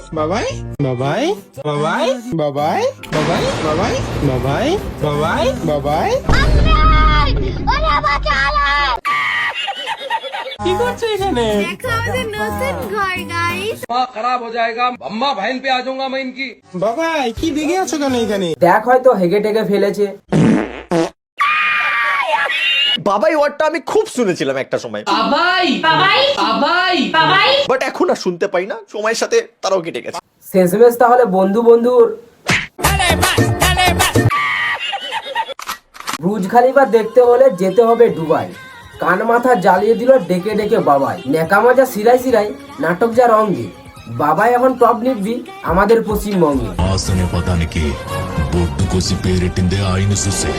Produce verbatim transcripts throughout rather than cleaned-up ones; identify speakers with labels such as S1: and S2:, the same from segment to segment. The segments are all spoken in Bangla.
S1: বাবাই বাবাই বাবাই বাবাই বাবাই বাবাই বাবাই বাবাই বাবাই কি করছো এখানে?
S2: দেখো আমাদের নতুন ঘর গাইস।
S3: खराब हो जाएगा, अम्मा बहन पे आ जाऊंगा मैं इनकी।
S1: বাবাই কি দেখে আছো কেন এখানে?
S4: দেখ হয়তো হেগে টেগে ফেলেছে।
S5: বাবাই ওয়ার্ডটা আমি খুব শুনেছিলাম একটা সময়,
S6: বাবাই বাবাই বাবাই বাবাই
S5: বাট এখন আর শুনতে পাই না, সময়ের সাথে তারাও কেটে গেছে।
S4: শেষমেশ তাহলে বন্ধু বন্ধুর ব্রুজ খালিফা দেখতে হলে যেতে হবে দুবাই। কান মাথা জ্বালিয়ে দিল ডেকে ডেকে বাবাই। নেকামা যা সিরাই সিরাই, নাটক যা রঙ্গে, বাবাই এখন টপ নিবি আমাদের পশ্চিমবঙ্গে।
S7: వాసనే పదానికి బొట్టు కోసి పేరెట్టిందే ఆయన చూసే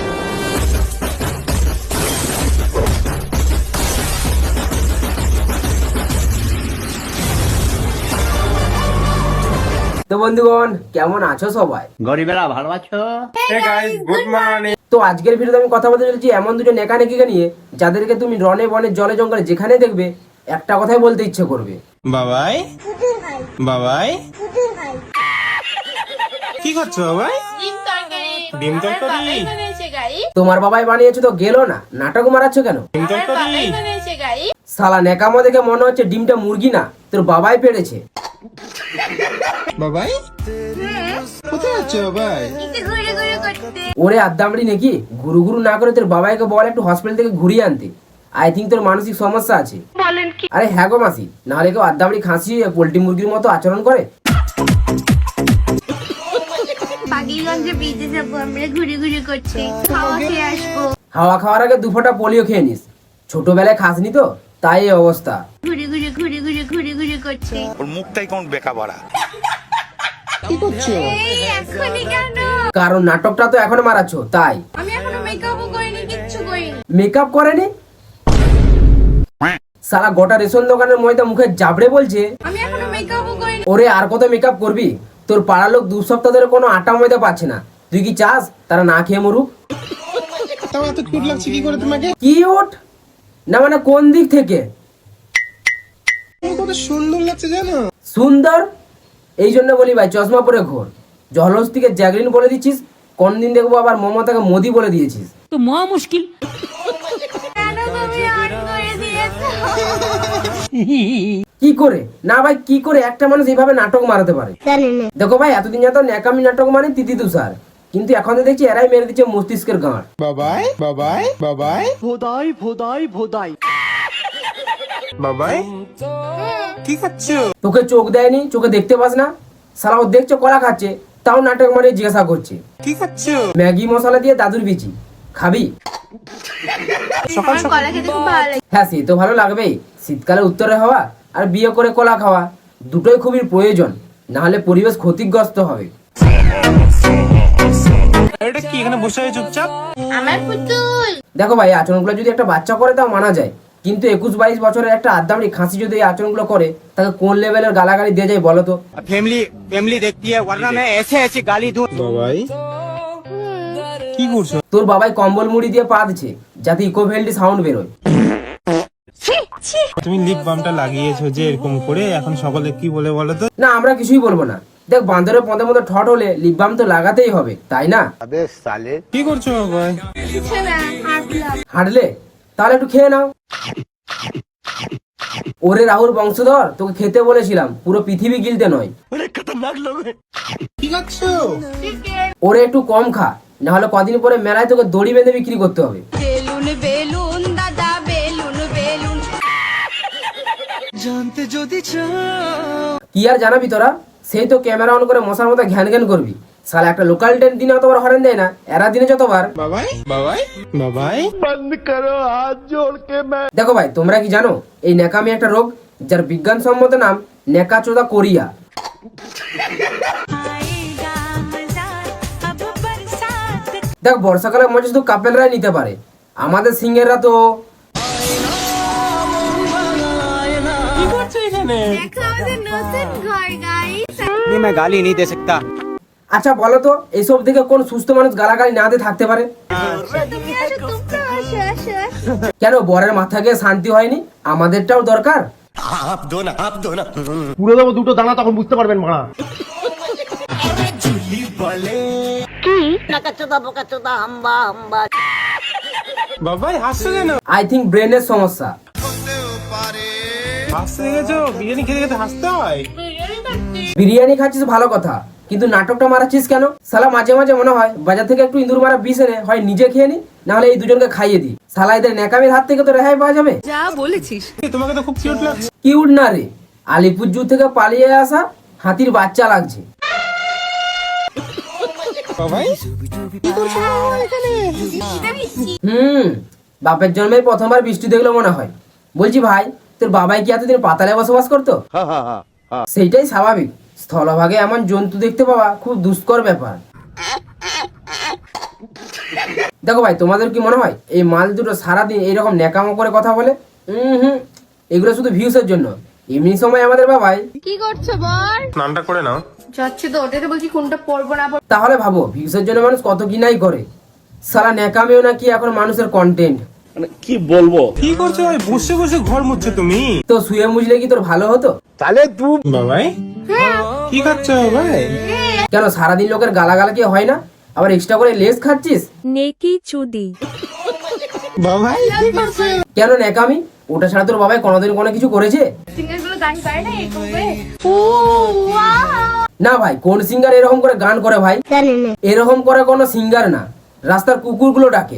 S4: তো বন্ধুগণ কেমন আছো সবাই?
S8: গরিবেরা ভালো আছো?
S1: Hey guys, good morning.
S4: তো আজকের ভিডিওতে আমি কথা বলতে চলেছি এমন দুটো নেকা নেকিকে নিয়ে, যাদেরকে তুমি রনে বনে জলে জঙ্গলে যেখানে দেখবে একটা কথাই বলতে ইচ্ছে করবে,
S1: বাবাই বাবাই। কি করছো বাবাই? ডিম তরকারি।
S4: তোমার বাবাই বানিয়েছো তো গেলো না, নাটক মারাচ্ছ কেন?
S1: ডিম তরকারি।
S4: সালা নেকামো দেখে মনে হচ্ছে ডিমটা মুরগি না, তোর বাবাই পেড়েছে।
S1: বাবাই কোথায় আছো বাবাই?
S2: একটু ঘুরে ঘুরে করতে।
S4: ওরে আদ্দামড়ি নাকি, ঘুরু ঘুরু না করে তোর বাবাইকে বল একটু হসপিটাল থেকে ঘুরিয়ে আনতে। আই থিঙ্ক তোর মানসিক সমস্যা আছে। আরে হ্যাঁ গো মাসি, নাহলে কেউ আদ্দামড়ি খাসি পোল্ট্রি মুরগির মতো আচরণ করে?
S2: পাগিগঞ্জে বিচে যাবো আমরা, ঘুরে ঘুরে করতে, খাওয়া খেয়ে আসবো।
S4: হাওয়া খাওয়ার আগে দু ফোঁটা পোলিও খেয়ে নিস, ছোটবেলায় খাসনি তো তাই এই অবস্থা।
S2: ঘুরে ঘুরে ঘুরে ঘুরে ঘুরে ঘুরে করতে।
S5: ওর মুখটাই কোন বেকা ভরা।
S1: কি করছো?
S2: এই এখনই কেন?
S4: কারণ নাটকটা তো এখনো মারাচ্ছ তাই।
S2: আমি এখনো মেকআপও করিনি, কিচ্ছু করিনি।
S4: মেকআপ করেনি? সালা গোটা রেশন দোকানের ময়দা মুখে জাবড়ে বলছে।
S2: আমি এখনো মেকআপও করিনি।
S4: ওরে আর কত মেকআপ করবি? তোর পাড়ার লোক দু সপ্তাহ ধরে কোনো আটা ময়দা পাচ্ছে না, তুই কি চাস তারা না খেয়ে মরুক?
S1: তাও এত কিউট লাগছে কি করে তোমাকে?
S4: কি ওঠ না মানে কোন দিক থেকে?
S1: কত সুন্দর লাগছে জানো?
S4: সুন্দর এই জন্য বলি ভাই চশমা পরে ঘোর। জহলস থেকে জ্যাগলিন বলে দিচ্ছিস, কোন দিন দেখবো আবার মমতাকে মোদি বলে দিয়েছিস।
S6: তো মহা মুশকিল।
S2: কেন তুমি অন করে দিয়েছো?
S4: কি করে না ভাই, কি করে একটা মানুষ এইভাবে নাটক মারাতে পারে? দেখো ভাই এতদিন যত ন্যাকামি নাটক মানে তিতি তুষার, কিন্তু এখন তো দেখছি এরাই মেরে দিচ্ছে মস্তিষ্কের গাঁট।
S1: বাবাই বাবাই বাবাই
S8: ভোদাই ভোদাই ভোদাই
S1: বাবাই কি খাচ্ছো?
S4: তোকে চোখ দেয়নি, চোখে দেখতে পাস না? সালা ও দেখছো কলা খাচ্ছে, তাও নাটক মারিয়ে জিজ্ঞাসা করছে।
S1: কি খাচ্ছো?
S4: ম্যাগি মশলা দিয়ে দাদুর বিচি খাবি?
S1: সকাল
S2: আমার কলা খেতে খুব ভালো লাগে।
S4: হ্যাঁ সে তো ভালো লাগবেই, শীতকালে উত্তরে হওয়া আর বিয়ে করে কলা খাওয়া দুটোই খুবই প্রয়োজন, না হলে পরিবেশ ক্ষতিগ্রস্ত হবে।
S1: এটা কি এখানে বসে আছে চুপচাপ?
S2: আমার পুতুল।
S4: দেখো ভাই আচরণগুলো যদি একটা বাচ্চা করে তাও মানা যায়, কিন্তু একুশ বাইশ বছরের একটা আদ্দামড়ি খাসি যদি এই আচরণগুলো করে, তাকে কোন লেভেলের গালাগালি দিয়ে যায় বলো তো?
S8: फैमिली फैमिली देखती है वरना मैं ऐसे ऐसे गाली दूं।
S1: বাবাই কি করছো?
S4: তোর বাবাই কম্বল মুড়ি দিয়ে পা দিচ্ছে যাতে ইকোভেলটি সাউন্ড বেরোয়।
S1: তুমি লিপ বামটা লাগিয়েছো যে এরকম করে, এখন সকলে কি বলে বলো তো?
S4: না আমরা কিছুই বলবো না। দেখ বান্দরের পদে মতো ঠট হলে লিপ বাম তো লাগাতেই হবে, তাই না?
S1: কি করছো বাবাই?
S2: কিছু না, হাঁটলাম।
S4: হাঁটলে তাহলে একটু খেয়ে নাও। ওরে রাহুল বংশধর, তোকে খেতে বলেছিলাম, পুরো পৃথিবী গিলতে নয়।
S1: কি খাচ্ছো?
S4: ওরে একটু কম খা, না হলে কদিন পরে মেলায় তোকে দড়ি বেঁধে বিক্রি করতে হবে।
S2: বেলুন বেলুন দাদা, বেলুন বেলুন।
S8: जानते যদি
S4: কি আর জানাবি তোরা? সেই তো ক্যামেরা অন করে মশার মতো ঘ্যান ঘ্যান করবি। সালা একটা লোকাল ট্রেন দিনে অতবার হরেন দেয় না, এরা দিনে যতবার।
S1: বাবাই বাবাই বাবাই
S4: দেখো ভাই তোমরা কি জানো এই ন্যাকামি একটা রোগ, যার বিজ্ঞানসম্মত নাম ন্যাকাচোদা কোরিয়া। দেখ বর্ষাকালে মজা শুধু কাপেলরাই নিতে পারে, আমাদের সিঙ্গেররা তো।
S1: কি করছো এখানে?
S2: দেখো আমাদের নতুন ঘর গাইস।
S8: नहीं मैं गाली नहीं दे सकता।
S4: আচ্ছা বলো তো এইসব দেখে কোন সুস্থ মানুষ গালাগালি না দিয়ে থাকতে পারে?
S2: তুমি আসো, তোমরা আসো আসো আসো।
S4: কেন বরের মাথা গিয়ে শান্তি হয়নি? আমাদেরটাও দরকার।
S5: आप दो ना आप दो ना
S9: পুরো দেবো দুটো দানা, তখন বুঝতে পারবেন মারা।
S1: বাবাই হাসছো কেন?
S4: আই থিঙ্ক ব্রেনের সমস্যা।
S1: হাসতে গেছো? বিরিয়ানি খেতে খেতে হাসতে হয়?
S4: বিরিয়ানি খাচ্ছিস ভালো কথা, কিন্তু নাটকটা মারাচ্ছিস কেন? সালা মাঝে মাঝে মনে হয় বাজার থেকে একটু ইঁদুর মারা বিষ এনে হয় নিজে খেয়ে নি, নাহলে এই দুজনকে খাইয়ে দি। সালা এদের ন্যাকামির হাত থেকে তো রেহাই পাওয়া যাবে।
S1: তোমাকে তো খুব কিউট লাগছে।
S4: কিউট না রে, আলিপুরজু থেকে পালিয়ে আসা হাতির বাচ্চা লাগছে।
S1: বাবাই
S4: হুম, বাপের জন্মে প্রথমবার বৃষ্টি দেখলো মনে হয়। বলছি ভাই, তোর বাবাই কি এতদিন পাতালে বসবাস করতো? সেইটাই স্বাভাবিক, স্থলভাগে এমন জন্তু দেখতে পাওয়া খুব দুষ্কর ব্যাপার। দেখো ভাই, তোমাদের কি মনে হয় এই মাল দুটো সারাদিন এইরকম ন্যাকামো করে কথা বলে? হুম হুম এগুলো শুধু ভিউসের জন্য। এমনি সময় আমাদের বাবাই
S2: কি করছো বল?
S1: স্নানটা করে নাও।
S2: যাচ্ছে তো, ওটাতে বলছি কোনটা পড়বো না পড়বো।
S4: তাহলে ভাবো ভিউসের জন্য মানুষ কত কি নাই করে। সারা ন্যাকামিও নাকি এখন মানুষের কন্টেন্ট।
S1: কি করছো ভাই? বসে বসে ঘর মুছছো তুমি?
S4: তো শুয়ে মুছলে কি তোর ভালো হতো?
S1: বাবাই কি খাচ্ছো ভাই?
S4: কেন সারাদিন লোকের গালাগালা কি হয় না? আবার এক্সট্রা করে লেস খাচ্ছিস?
S10: নেকি চুদি।
S1: বাবাই কি করছো?
S4: কেন ন্যাকামি? ওটা ছাড়া তোর বাবাই কোনোদিন কোনো কিছু করেছে?
S2: সিঙ্গার গুলো গান করে না এরকম করে? ও ওয়াও,
S4: না ভাই, কোন সিঙ্গার এরকম করে গান করে ভাই?
S2: জানি না।
S4: এরকম করে কোনো সিঙ্গার না, রাস্তার কুকুরগুলো ডাকে।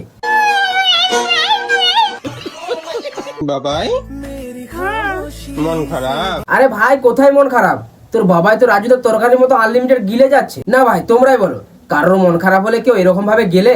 S1: বাবাই মন খারাপ?
S4: আরে ভাই, কোথায় মন খারাপ? তোর বাবাই তো রাজুদের তরকারির মতো আনলিমিটেড গিলে যাচ্ছে। না ভাই, তোমরাই বলো, কারোর মন খারাপ হলে কেউ এরকম ভাবে গেলে?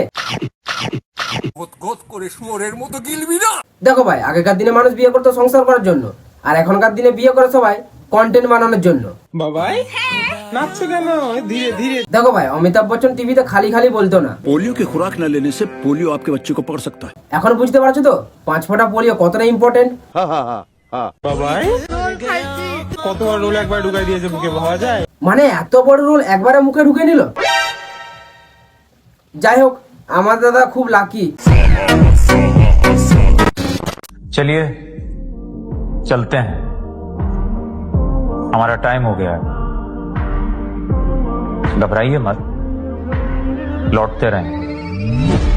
S4: দেখো ভাই, আগেকার দিনে মানুষ বিয়ে করতো সংসার করার জন্য, আর এখনকার দিনে বিয়ে করে সবাই কন্টেন্ট বানানোর জন্য।
S1: বাবাই নাচছো কেন? ধীরে ধীরে।
S4: দেখো ভাই, অমিতাভ বচ্চন টিভিতে খালি খালি বলতো না,
S7: पोलियो की खुराक न लेने से पोलियो आपके बच्चे को पकड़ सकता है।
S4: এখন বুঝতে পারছো তো পাঁচ ফোঁটা পোলিও কতটা ইম্পর্টেন্ট।
S1: বাবাই কতবার রোল একবার ঢুকাই দিয়েছে বুকে, ভাবা যায়?
S4: মানে এত বড় রোল একবারে মুখে ঢুকে নিল। যাই হোক, আমার দাদা খুব লাকি।
S11: चलिए चलते हैं, हमारा टाइम हो गया है। घबराइए मत, लौटते रहें।